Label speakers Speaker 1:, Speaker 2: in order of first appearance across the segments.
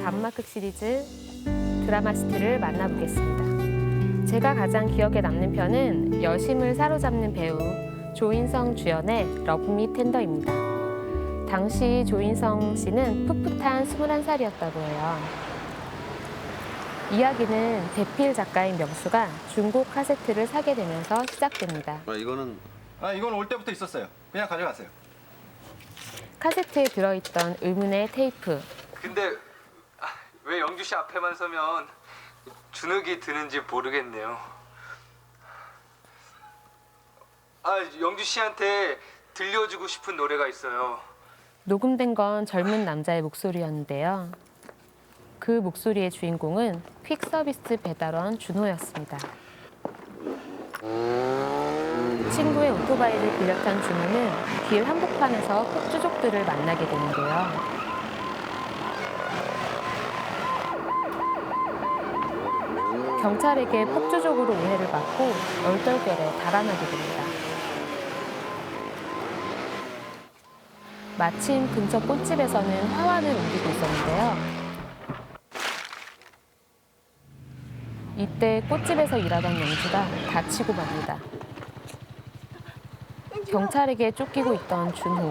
Speaker 1: 감막극 시리즈 드라마스트를 만나보겠습니다. 제가 가장 기억에 남는 편은 여심을 사로잡는 배우 조인성 주연의 러브미 텐더입니다. 당시 조인성 씨는 풋풋한 21살이었다고 해요. 이야기는 대필 작가인 명수가 중고 카세트를 사게 되면서 시작됩니다.
Speaker 2: 이건 올 때부터 있었어요. 그냥 가져가세요.
Speaker 1: 카세트에 들어있던 의문의 테이프.
Speaker 3: 근데 왜 영주 씨 앞에만 서면 주눅이 드는지 모르겠네요. 영주 씨한테 들려주고 싶은 노래가 있어요.
Speaker 1: 녹음된 건 젊은 남자의 목소리였는데요. 그 목소리의 주인공은 퀵서비스 배달원 준호였습니다. 친구의 오토바이를 빌려 탄 준호는 길 한복판에서 폭주족들을 만나게 되는데요. 경찰에게 폭주족으로 오해를 받고 얼떨결에 달아나게 됩니다. 마침 근처 꽃집에서는 화환을 옮기고 있었는데요. 이때 꽃집에서 일하던 영주가 다치고 맙니다. 경찰에게 쫓기고 있던 준호.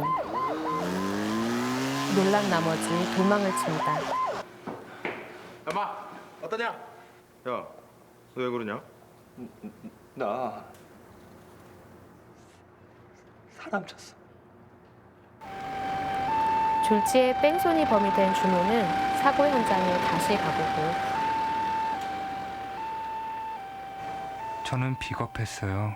Speaker 1: 놀란 나머지 도망을 칩니다.
Speaker 2: 엄마, 어떠냐? 야, 너 왜 그러냐?
Speaker 3: 나 사람 쳤어.
Speaker 1: 졸지에 뺑소니 범이 된 준호는 사고 현장에 다시 가보고
Speaker 4: 저는 비겁했어요.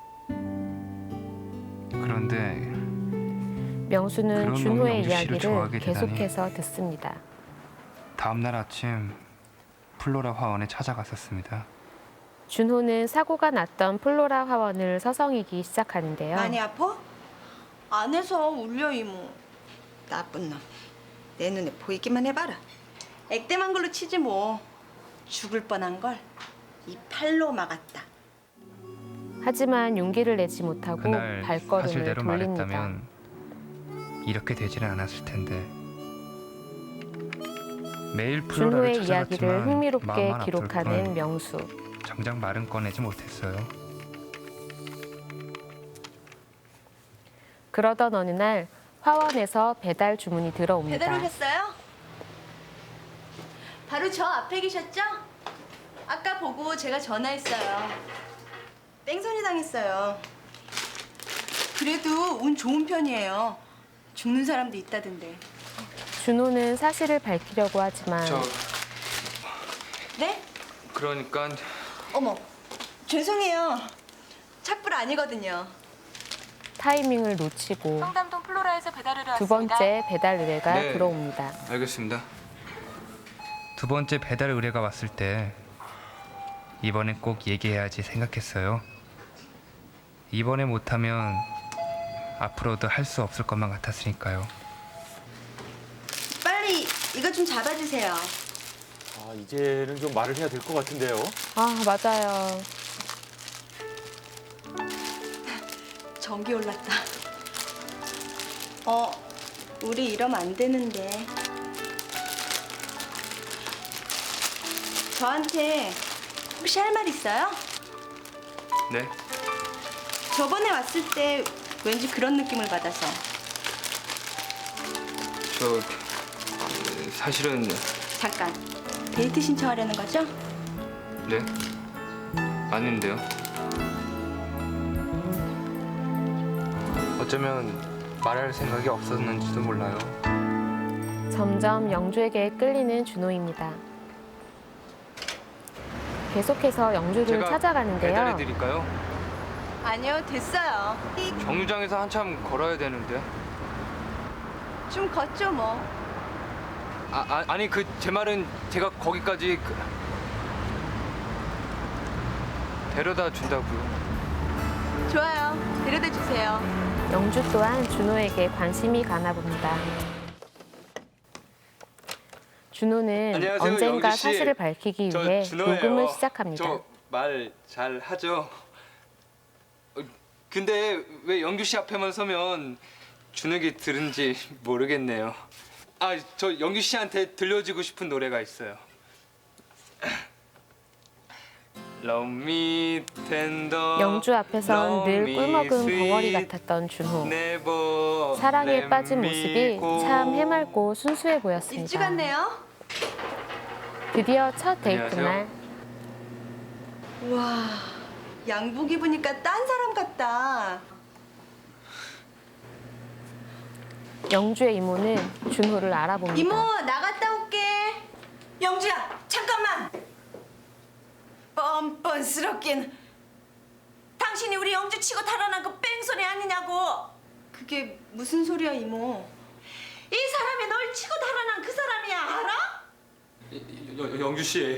Speaker 4: 그런데
Speaker 1: 명수는
Speaker 4: 그런 놈이
Speaker 1: 준호의
Speaker 4: 영주 씨를
Speaker 1: 이야기를
Speaker 4: 좋아하게 되다니.
Speaker 1: 계속해서 듣습니다.
Speaker 4: 다음 날 아침 플로라 화원에 찾아갔었습니다.
Speaker 1: 준호는 사고가 났던 플로라 화원을 서성이기 시작하는데요.
Speaker 5: 많이 아파? 안에서 울려 이모. 나쁜 놈. 내 눈에 보이기만 해봐라. 액땜한 걸로 치지 뭐. 죽을 뻔한 걸 이 팔로 막았다.
Speaker 1: 하지만 용기를 내지 못하고
Speaker 4: 그날
Speaker 1: 발걸음을
Speaker 4: 사실대로
Speaker 1: 돌립니다.
Speaker 4: 말했다면 이렇게 되지는 않았을 텐데. 매일 플로라를
Speaker 1: 준호의 이야기를
Speaker 4: 찾아갔지만
Speaker 1: 흥미롭게
Speaker 4: 마음만 아플
Speaker 1: 기록하는
Speaker 4: 뿐
Speaker 1: 명수.
Speaker 4: 정작 말은 꺼내지 못했어요.
Speaker 1: 그러던 어느 날 화원에서 배달 주문이 들어옵니다.
Speaker 5: 배달 오셨어요? 바로 저 앞에 계셨죠? 아까 보고 제가 전화했어요. 뺑소니 당했어요. 그래도 운 좋은 편이에요. 죽는 사람도 있다던데.
Speaker 1: 준호는 사실을 밝히려고 하지만
Speaker 5: 네?
Speaker 3: 그러니까
Speaker 5: 어머, 죄송해요. 착불 아니거든요.
Speaker 1: 타이밍을 놓치고
Speaker 6: 청담동 플로라에서 배달을
Speaker 1: 두 번째 배달 의뢰가
Speaker 3: 네.
Speaker 1: 들어옵니다.
Speaker 3: 알겠습니다.
Speaker 4: 두 번째 배달 의뢰가 왔을 때 이번엔 꼭 얘기해야지 생각했어요. 이번에 못하면 앞으로도 할 수 없을 것만 같았으니까요.
Speaker 5: 빨리 이거 좀 잡아주세요.
Speaker 2: 이제는 좀 말을 해야 될 것 같은데요.
Speaker 1: 아, 맞아요.
Speaker 5: 전기 올랐다. 우리 이러면 안 되는데. 저한테 혹시 할 말 있어요?
Speaker 3: 네.
Speaker 5: 저번에 왔을 때 왠지 그런 느낌을 받아서.
Speaker 3: 사실은
Speaker 5: 잠깐, 데이트 신청하려는 거죠?
Speaker 3: 네. 아닌데요. 어쩌면 말할 생각이 없었는지도 몰라요.
Speaker 1: 점점 영주에게 끌리는 준호입니다. 계속해서 영주를
Speaker 3: 제가
Speaker 1: 찾아가는데요.
Speaker 3: 배달해드릴까요?
Speaker 5: 아니요, 됐어요.
Speaker 3: 정류장에서 한참 걸어야 되는데.
Speaker 5: 좀 걷죠 뭐.
Speaker 3: 아니 제 말은 제가 거기까지 데려다 준다고요.
Speaker 5: 좋아요, 데려다 주세요.
Speaker 1: 영주 또한 준호에게 관심이 가나 봅니다. 준호는
Speaker 3: 안녕하세요,
Speaker 1: 언젠가
Speaker 3: 영주 씨.
Speaker 1: 사실을 밝히기
Speaker 3: 저
Speaker 1: 위해
Speaker 3: 준호예요.
Speaker 1: 녹음을 시작합니다.
Speaker 3: 저 말 잘 하죠. 근데 왜 영주 씨 앞에만 서면 주눅이 드는지 모르겠네요. 저 영규 씨한테 들려주고 싶은 노래가 있어요. Love me tender.
Speaker 1: 영주 앞에선 늘
Speaker 3: love me
Speaker 1: 꿀먹은
Speaker 3: sweet,
Speaker 1: 벙어리 같았던 준호.
Speaker 3: never
Speaker 1: 사랑에
Speaker 3: let
Speaker 1: 빠진
Speaker 3: me
Speaker 1: 모습이
Speaker 3: go.
Speaker 1: 참 해맑고 순수해
Speaker 5: 일찍
Speaker 1: 보였습니다.
Speaker 5: 왔네요.
Speaker 1: 드디어 첫 데이트
Speaker 3: 안녕하세요.
Speaker 1: 날
Speaker 5: 와, 양복 입으니까 딴 사람 같다.
Speaker 1: 영주의 이모는 준호를 알아봅니다.
Speaker 5: 이모, 나갔다 올게. 영주야, 잠깐만. 뻔뻔스럽긴. 당신이 우리 영주 치고 달아난 그 뺑소니 아니냐고. 그게 무슨 소리야, 이모? 이 사람이 널 치고 달아난 그 사람이야, 알아?
Speaker 3: 영주 씨,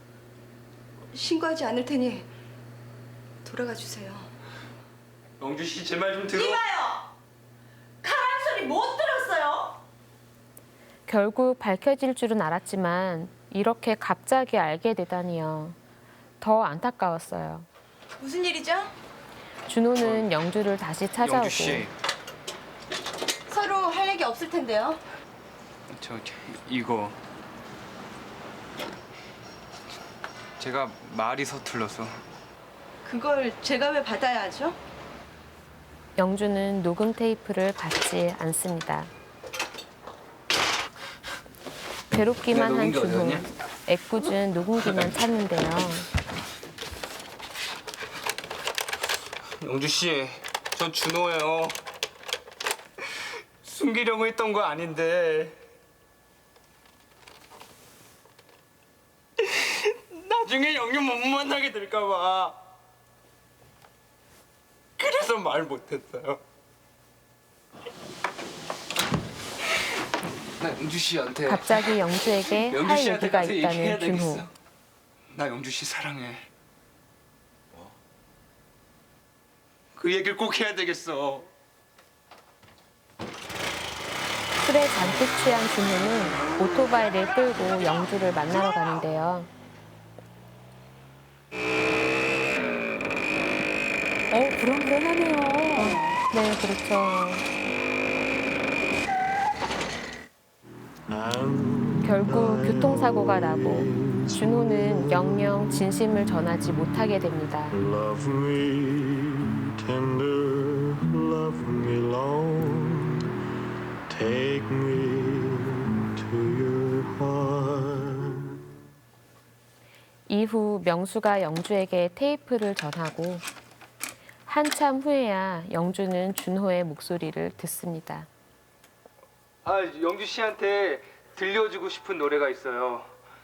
Speaker 5: 신고하지 않을 테니 돌아가 주세요.
Speaker 3: 영주 씨 제 말 좀 들어.
Speaker 5: 이봐요. 가란 소리 못 들었어요?
Speaker 1: 결국 밝혀질 줄은 알았지만 이렇게 갑자기 알게 되다니요. 더 안타까웠어요.
Speaker 5: 무슨 일이죠?
Speaker 1: 준호는 영주를 다시 찾아오고
Speaker 3: 영주 씨,
Speaker 5: 서로 할 얘기 없을 텐데요.
Speaker 3: 저 이거 제가 말이 서툴러서.
Speaker 5: 그걸 제가 왜 받아야 하죠?
Speaker 1: 영주는 녹음 테이프를 받지 않습니다. 괴롭기만 한
Speaker 3: 녹음기 어디
Speaker 1: 준호.
Speaker 3: 갔냐?
Speaker 1: 애꿎은 녹음기만 찾는데요.
Speaker 3: 영주 씨, 전 준호예요. 숨기려고 했던 거 아닌데. 나중에 영유 못 만나게 될까 봐. 그래서 말 못했어요. 나 영주 씨한테
Speaker 1: 갑자기 영주에게
Speaker 3: 영주
Speaker 1: 할
Speaker 3: 씨한테
Speaker 1: 얘기가
Speaker 3: 가서 얘기해야
Speaker 1: 있다는 준호.
Speaker 3: 되겠어. 나 영주 씨 사랑해. 그 얘기를 꼭 해야 되겠어.
Speaker 1: 술에 잔뜩 취한 준호는 오토바이를 끌고 영주를 만나러 가는데요. 불안불안하네요. 네, 그렇죠. 결국 교통사고가 나고 준호는 영영 진심을 전하지 못하게 됩니다.
Speaker 6: Love me tender, love me long, take me to your heart.
Speaker 1: 이후 명수가 영주에게 테이프를 전하고 한참 후에야 영주는 준호의 목소리를 듣습니다.
Speaker 3: 영주 씨한테 들려주고 싶은 노래가 있어요.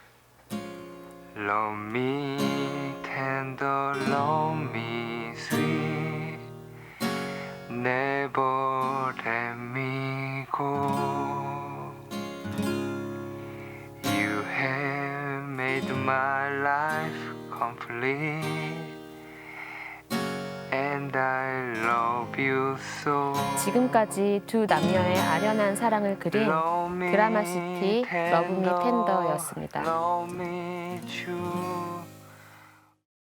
Speaker 3: Love me tender, love me sweet, never let me go. You have made my life complete, and I love you so.
Speaker 1: 지금까지 두 남녀의 아련한 사랑을 그린 드라마시티 러브 미 텐더였습니다.
Speaker 3: Love me true.